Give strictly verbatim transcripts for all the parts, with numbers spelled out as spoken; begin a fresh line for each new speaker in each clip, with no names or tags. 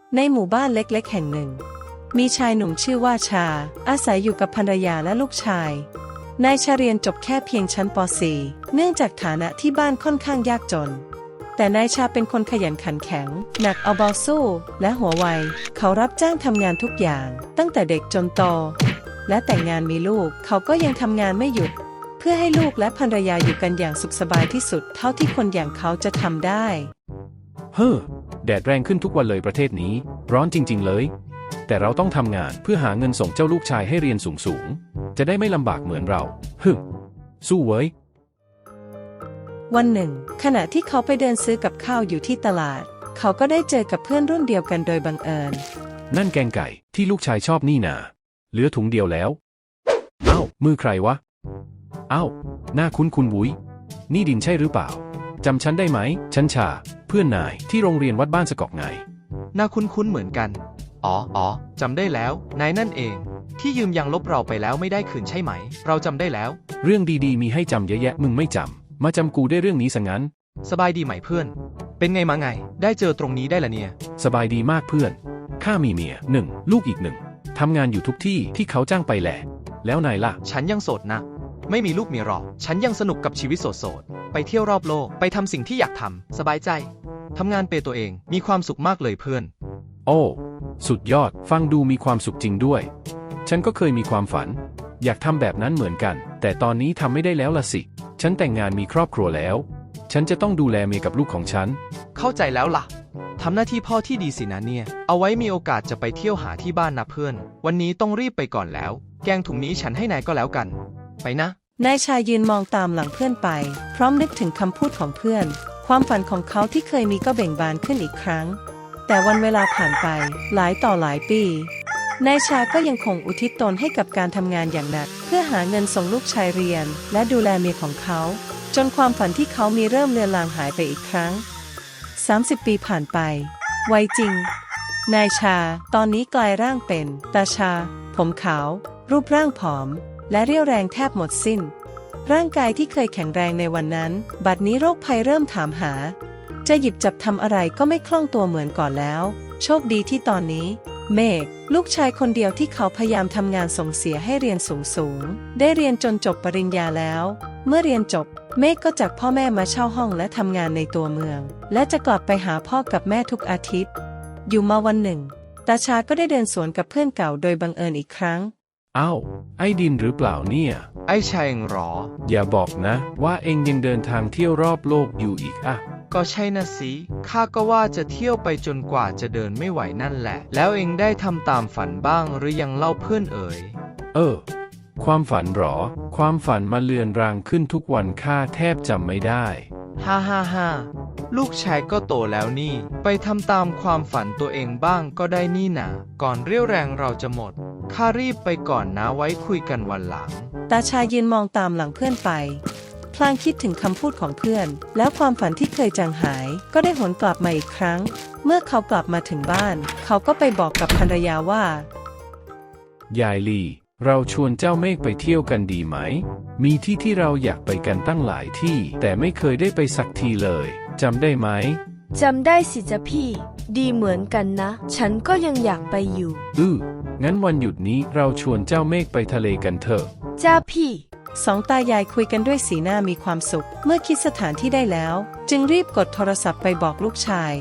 ในหมู่บ้านเล็กๆแห่งหนึ่งมีชายหนุ่มชื่อว่าชาอาศัยอยู่กับภรรยาและลูกชายนายชาเรียนจบแค่เพียงชั้นป .สี่ เนื่องจากฐานะที่บ้านค่อนข้างยากจนแต่นายชาเป็นคนขยันขันแข็งหนักเอาเบาสู้และหัวไวเขารับจ้างทำงานทุกอย่างตั้งแต่เด็กจนโตและแต่งงานมีลูกเขาก็ยังทำงานไม่หยุดเพื่อให้ลูกและภรรยาอยู่กันอย่างสุขสบายที่สุดเท่าที่คนอย่างเขาจะทำได้
เฮ้อแดดแรงขึ้นทุกวันเลยประเทศนี้ร้อนจริงๆเลยแต่เราต้องทำงานเพื่อหาเงินส่งเจ้าลูกชายให้เรียนสูงๆจะได้ไม่ลำบากเหมือนเราฮึสู้เว้ย
วันหนึ่งขณะที่เขาไปเดินซื้อกับข้าวอยู่ที่ตลาดเขาก็ได้เจอกับเพื่อนรุ่นเดียวกันโดยบังเอิญ
นั่นแกงไก่ที่ลูกชายชอบนี่นาเหลือถุงเดียวแล้วเอ้ามือใครวะเอ้าหน้าคุ้นคุ้นวุ้ยนี่ดินใช่หรือเปล่าจำฉันได้ไหมฉันชาเพื่อนนายที่โรงเรียนวัดบ้านสะกอกไง
หน้าคุ้นๆเหมือนกันอ๋ออ๋อจำได้แล้วนายนั่นเองที่ยืมยางลบเราไปแล้วไม่ได้คืนใช่ไหมเราจำได้แล้ว
เรื่องดีๆมีให้จำเยอะแยะมึงไม่จำมาจำกูได้เรื่องนี้ซะงั้น
สบายดีไหมเพื่อนเป็นไงมาไงได้เจอตรงนี้ได้ละเนี่ย
สบายดีมากเพื่อนข้ามีเมียหนึ่งลูกอีกหนึ่งทำงานอยู่ทุกที่ที่เขาจ้างไปแหละแล้วนายล่ะ
ฉันยังโสดนะไม่มีลูกเมียหรอกฉันยังสนุกกับชีวิตโสดๆไปเที่ยวรอบโลกไปทำสิ่งที่อยากทำสบายใจทำงานเปตัวเองมีความสุขมากเลยเพื่อน
โอ้สุดยอดฟังดูมีความสุขจริงด้วยฉันก็เคยมีความฝันอยากทำแบบนั้นเหมือนกันแต่ตอนนี้ทำไม่ได้แล้วล่ะสิฉันแต่งงานมีครอบครัวแล้วฉันจะต้องดูแลเมียกับลูกของฉัน
เข้าใจแล้วล่ะทำหน้าที่พ่อที่ดีสินะเนี่ยเอาไว้มีโอกาสจะไปเที่ยวหาที่บ้านนะเพื่อนวันนี้ต้องรีบไปก่อนแล้วแกงถุงนี้ฉันให้นายก็แล้วกันไปนะ
นายชายยืนมองตามหลังเพื่อนไปพร้อมนึกถึงคำพูดของเพื่อนความฝันของเขาที่เคยมีก็เบ่งบานขึ้นอีกครั้งแต่วันเวลาผ่านไปหลายต่อหลายปีนายชาก็ยังคงอุทิศตนให้กับการทำงานอย่างหนักเพื่อหาเงินส่งลูกชายเรียนและดูแลเมียของเขาจนความฝันที่เขามีเริ่มเลือนลางหายไปอีกครั้งสามสิบปีผ่านไปไวจริงนายชาตอนนี้กลายร่างเป็นตาชาผมขาวรูปร่างผอมและเรี่ยวแรงแทบหมดสิ้นร่างกายที่เคยแข็งแรงในวันนั้นบัดนี้โรคภัยเริ่มถามหาจะหยิบจับทำอะไรก็ไม่คล่องตัวเหมือนก่อนแล้วโชคดีที่ตอนนี้เมฆลูกชายคนเดียวที่เขาพยายามทำงานส่งเสียให้เรียนสูงๆได้เรียนจนจบปริญญาแล้วเมื่อเรียนจบเมฆก็จากพ่อแม่มาเช่าห้องและทำงานในตัวเมืองและจะกลับไปหาพ่อกับแม่ทุกอาทิตย์อยู่มาวันหนึ่งตาชาก็ได้เดินสวนกับเพื่อนเก่าโดยบังเอิญอีกครั้ง
อ้าวไอ้ดินหรือเปล่าเนี่ย
ไอ้ชายเองหรอ
อย่าบอกนะว่าเองยังเดินทางเที่ยวรอบโลกอยู่อีกอะ
ก็ใช่นะสิข้าก็ว่าจะเที่ยวไปจนกว่าจะเดินไม่ไหวนั่นแหละแล้วเองได้ทำตามฝันบ้างหรือยังเล่าเพื่อนเอ๋ย
เออความฝันหรอความฝันมาเลือนรางขึ้นทุกวันข้าแทบจำไม่ได้
ฮ่าฮ่าฮ่าลูกชายก็โตแล้วนี่ไปทำตามความฝันตัวเองบ้างก็ได้นี่นะก่อนเรี่ยวแรงเราจะหมดข้ารีบไปก่อนนะไว้คุยกันวันหลัง
ตาชายืนมองตามหลังเพื่อนไปพลางคิดถึงคำพูดของเพื่อนแล้วความฝันที่เคยจางหายก็ได้หวนกลับมาอีกครั้งเมื่อเขากลับมาถึงบ้านเขาก็ไปบอกกับภรรยาว่
ายายลีเราชวนเจ้าเมฆไปเที่ยวกันดีไหมมีที่ที่เราอยากไปกันตั้งหลายที่แต่ไม่เคยได้ไปสักทีเลยจำได้ไหม
จำได้สิจ๊ะพี่ดีเหมือนกันนะฉันก็ยังอยากไปอยู่
อืองั้นวันหยุดนี้เราชวนเจ้าเมฆไปทะเลกันเถอะ
จ้าพี่
สองตายายคุยกันด้วยสีหน้ามีความสุขเมื่อคิดสถานที่ได้แล้วจึงรีบกดโทรศัพท์ไปบอกลูกชาย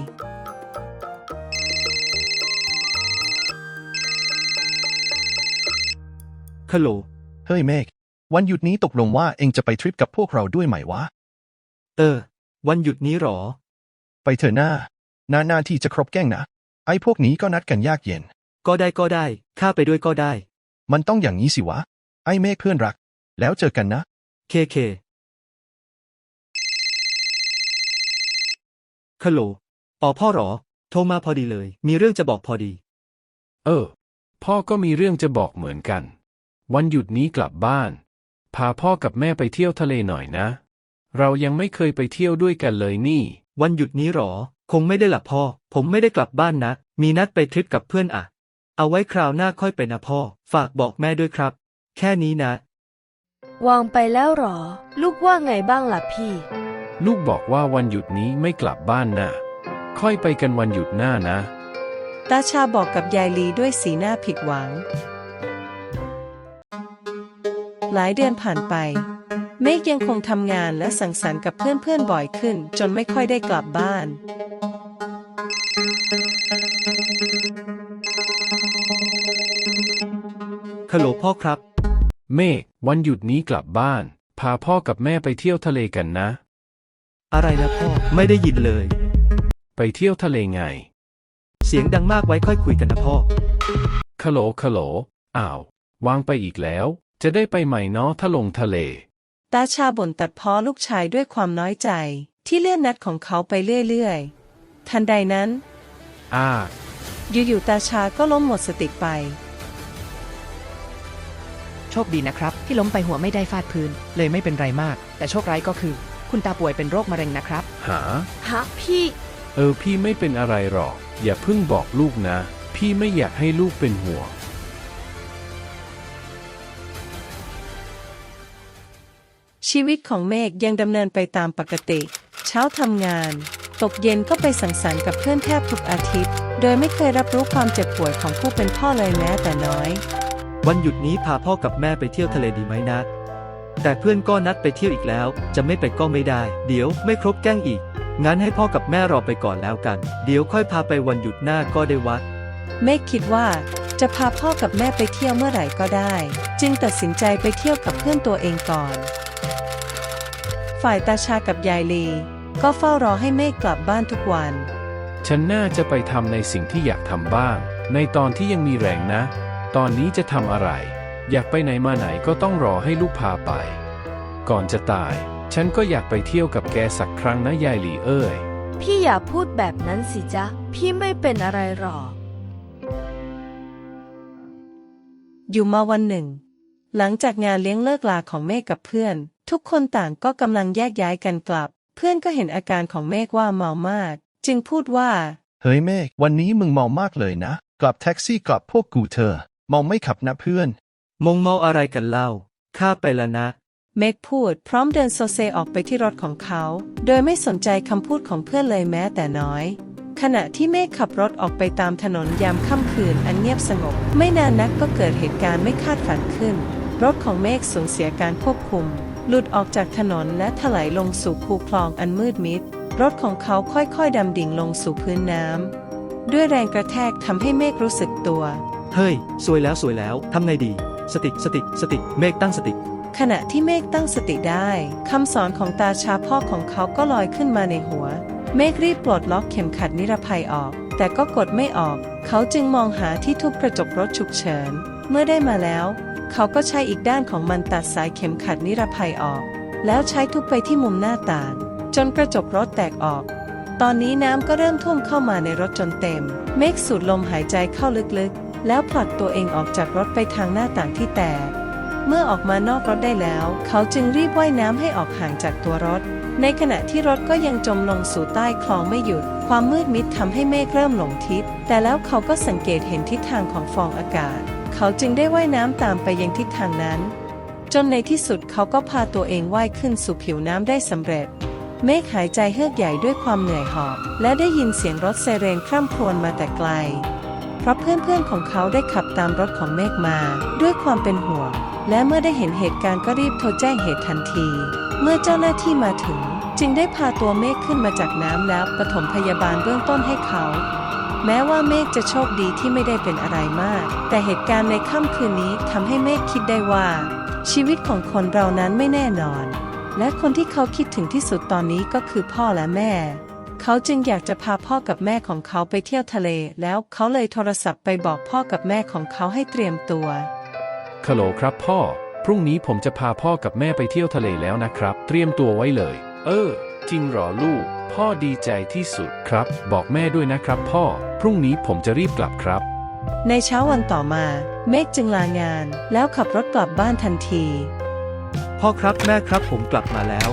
ฮัลโหลเฮ้ยเมฆวันหยุดนี้ตกลงว่าเองจะไปทริปกับพวกเราด้วยไหมวะ
เออวันหยุดนี้หรอ
ไปเถอะหน้านานาที่จะครบแก๊งนะไอ้พวกนี้ก็นัดกันยากเย็น
ก็ได้ก็ได้ข้าไปด้วยก็ได้
มันต้องอย่างนี้สิวะไอ้เมฆเพื่อนรักแล้วเจอกันนะ
เคเคฮัลโหลอ๋อพ่อหรอโทรมาพอดีเลยมีเรื่องจะบอกพอดี
เออพ่อก็มีเรื่องจะบอกเหมือนกันวันหยุดนี้กลับบ้านพาพ่อกับแม่ไปเที่ยวทะเลหน่อยนะเรายังไม่เคยไปเที่ยวด้วยกันเลยนี่
วันหยุดนี้หรอคงไม่ได้หลับพ่อผมไม่ได้กลับบ้านนะมีนัดไปทริปกับเพื่อนอ่ะเอาไว้คราวหน้าค่อยไปนะพ่อฝากบอกแม่ด้วยครับแค่นี้นะ
วางไปแล้วหรอลูกว่าไงบ้างล่ะพี่
ลูกบอกว่าวันหยุดนี้ไม่กลับบ้านนะค่อยไปกันวันหยุดหน้านะ
ตาชาบอกกับยายลีด้วยสีหน้าผิดหวัง หลายเดือนผ่านไป เมฆยังคงทำงานและสังสรรค์กับเพื่อนๆบ่อยขึ้นจนไม่ค่อยได้กลับบ้าน
ฮัลโหลพ่อครับ
เมฆวันหยุดนี้กลับบ้าน พาพ่อกับแม่ไปเที่ยวทะเลกันนะ
อะไรนะพ่อ ไม่ได้ยินเลย
ไปเที่ยวทะเลไง
เสียงดังมากไว้ค่อยคุยกันนะพ่อ
คโหลคโหลอ้าว วางไปอีกแล้ว จะได้ไปใหม่เนาะถ้าลงทะเล
ตาชาบ่นตัดพ้อลูกชายด้วยความน้อยใจที่เลื่อนนัดของเขาไปเรื่อยๆ ทันใดนั้น
อ้า
อยู่ๆตาชาก็ล้มหมดสติไป
โชคดีนะครับที่ล้มไปหัวไม่ได้ฟาดพื้น เลยไม่เป็นไรมาก แต่โชคร้ายก็คือ คุณตาป่วยเป็นโรคมะเร็งนะครับ
หา
ฮะพี่
เออพี่ไม่เป็นอะไรหรอก อย่าเพิ่งบอกลูกนะ พี่ไม่อยากให้ลูกเป็นห่วง
ชีวิตของเมฆยังดำเนินไปตามปกติ เช้าทำงาน ตกเย็นก็ไปสังสรรค์กับเพื่อนแทบทุกอาทิตย์ โดยไม่เคยรับรู้ความเจ็บป่วยของผู้เป็นพ่อเลยแม้แต่น้อย
วันหยุดนี้พาพ่อกับแม่ไปเที่ยวทะเลดีไหมนะ แต่เพื่อนก็นัดไปเที่ยวอีกแล้ว จะไม่ไปก็ไม่ได้ เดี๋ยวไม่ครบแกล้งอีก งั้นให้พ่อกับแม่รอไปก่อนแล้วกัน เดี๋ยวค่อยพาไปวันหยุดหน้าก็ได้วะ
เมฆคิดว่าจะพาพ่อกับแม่ไปเที่ยวเมื่อไหร่ก็ได้ จึงตัดสินใจไปเที่ยวกับเพื่อนตัวเองก่อน ฝ่ายตาชากับยายลีก็เฝ้ารอให้เมฆกลับบ้านทุกวัน
ฉันน่าจะไปทำในสิ่งที่อยากทำบ้าง ในตอนที่ยังมีแรงนะ ตอนนี้จะทำอะไร อยากไปไหนมาไหนก็ต้องรอให้ลูกพาไป ก่อนจะตาย ฉันก็อยากไปเที่ยวกับแกสักครั้งนะยายหลีเอ้ย
พี่อย่าพูดแบบนั้นสิจ๊ะ พี่ไม่เป็นอะไรหรอก
อยู่มาวันหนึ่ง หลังจากงานเลี้ยงเลิกลาของเมฆกับเพื่อน ทุกคนต่างก็กำลังแยกย้ายกันกลับ เพื่อนก็เห็นอาการของเมฆว่าเมามาก จึงพูดว่า
เฮ้ยเมฆวันนี้มึงเมามากเลยนะ กลับแท็กซี่กลับพวกกูเธอะเมาไม่ขับนะเพื่อน
มงเมาอะไรกันเล่า ข้าไปละนะ
เมฆพูดพร้อมเดินโซเซออกไปที่รถของเขา โดยไม่สนใจคำพูดของเพื่อนเลยแม้แต่น้อย ขณะที่เมฆขับรถออกไปตามถนนยามค่ำคืนอันเงียบสงบ ไม่นานนักก็เกิดเหตุการณ์ไม่คาดฝันขึ้น รถของเมฆสูญเสียการควบคุม หลุดออกจากถนนและถลายลงสู่คูคลองอันมืดมิด รถของเขาค่อยๆดำดิ่งลงสู่พื้นน้ำด้วยแรงกระแทกทำให้เมฆรู้สึกตัว
เฮ้ย สวยแล้วสวยแล้ว ทำไงดี สติ สติ สติ เมฆตั้งสติ
ขณะที่เมฆตั้งสติได้คำสอนของตาชาพ่อของเขาก็ลอยขึ้นมาในหัว เมฆรีบปลดล็อกเข็มขัดนิรภัยออก แต่ก็กดไม่ออก เขาจึงมองหาที่ทุบกระจกรถฉุกเฉิน เมื่อได้มาแล้ว เขาก็ใช้อีกด้านของมันตัดสายเข็มขัดนิรภัยออก แล้วใช้ทุบไปที่มุมหน้าต่างจนกระจกรถแตกออก ตอนนี้น้ำก็เริ่มท่วมเข้ามาในรถจนเต็ม เมฆสูดลมหายใจเข้าลึกๆ แล้วผลักตัวเองออกจากรถไปทางหน้าต่างที่แตก เมื่อออกมานอกรถได้แล้ว เขาจึงรีบว่ายน้ำให้ออกห่างจากตัวรถ ในขณะที่รถก็ยังจมลงสู่ใต้คลองไม่หยุด ความมืดมิดทำให้เมฆเริ่มหลงทิศ แต่แล้วเขาก็สังเกตเห็นทิศทางของฟองอากาศ เขาจึงได้ว่ายน้ำตามไปยังทิศทางนั้น จนในที่สุดเขาก็พาตัวเองว่ายขึ้นสู่ผิวน้ำได้สำเร็จ เมฆหายใจเฮือกใหญ่ด้วยความเหนื่อยหอบ และได้ยินเสียงรถไซเรนคร่ำครวญมาแต่ไกล เพราะเพื่อนๆของเขาได้ขับตามรถของเมฆมาด้วยความเป็นห่วง และเมื่อได้เห็นเหตุการณ์ก็รีบโทรแจ้งเหตุทันที เมื่อเจ้าหน้าที่มาถึงจึงได้พาตัวเมฆขึ้นมาจากน้ำแล้วปฐมพยาบาลเบื้องต้นให้เขา แม้ว่าเมฆจะโชคดีที่ไม่ได้เป็นอะไรมาก แต่เหตุการณ์ในค่ำคืนนี้ทำให้เมฆคิดได้ว่า ชีวิตของคนเรานั้นไม่แน่นอน และคนที่เขาคิดถึงที่สุดตอนนี้ก็คือพ่อและแม่ เขาจึงอยากจะพาพ่อกับแม่ของเขาไปเที่ยวทะเล แล้วเขาเลยโทรศัพท์ไปบอกพ่อกับแม่ของเขาให้เตรียมตัว
คโหลครับพ่อ พรุ่งนี้ผมจะพาพ่อกับแม่ไปเที่ยวทะเลแล้วนะครับ เตรียมตัวไว้เลย เออ จริงเหรอลูก พ่อดีใจที่สุดครับ บอกแม่ด้วยนะครับพ่อ พรุ่งนี้ผมจะรีบกลับครับ
ในเช้าวันต่อมา เมฆจึงลางาน แล้วขับรถกลับบ้านทันที
พ่อครับแม่ครับผมกลับมาแล้ว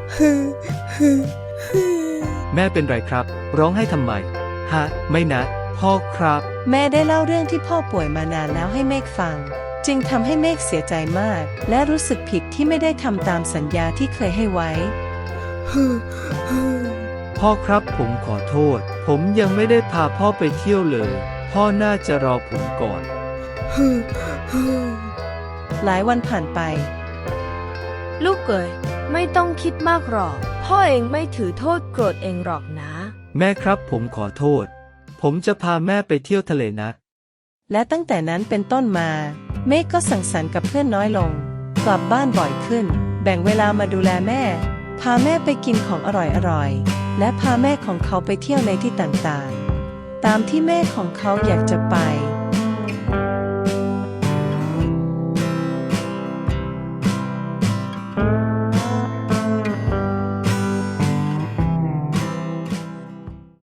แม่เป็นไรครับ ร้องให้ทำไม ฮะ ไม่นะ พ่อครับ
แม่ได้เล่าเรื่องที่พ่อป่วยมานานแล้วให้เมฆฟัง จึงทำให้เมฆเสียใจมาก และรู้สึกผิดที่ไม่ได้ทำตามสัญญาที่เคยให้ไว้
พ่อครับผมขอโทษ ผมยังไม่ได้พาพ่อไปเที่ยวเลยพ่อน่าจะรอผมก่อน
หลายวันผ่านไป
ลูกเอ๋ยไม่ต้องคิดมากหรอก พ่อเองไม่ถือโทษโกรธเองหรอกนะ
แม่ครับผมขอโทษ ผมจะพาแม่ไปเที่ยวทะเลนะ
และตั้งแต่นั้นเป็นต้นมา เมฆก็สังสรรค์กับเพื่อนน้อยลง กลับบ้านบ่อยขึ้น แบ่งเวลามาดูแลแม่ พาแม่ไปกินของอร่อยๆ และพาแม่ของเขาไปเที่ยวในที่ต่างๆ ตามที่แม่ของเขาอยากจะไป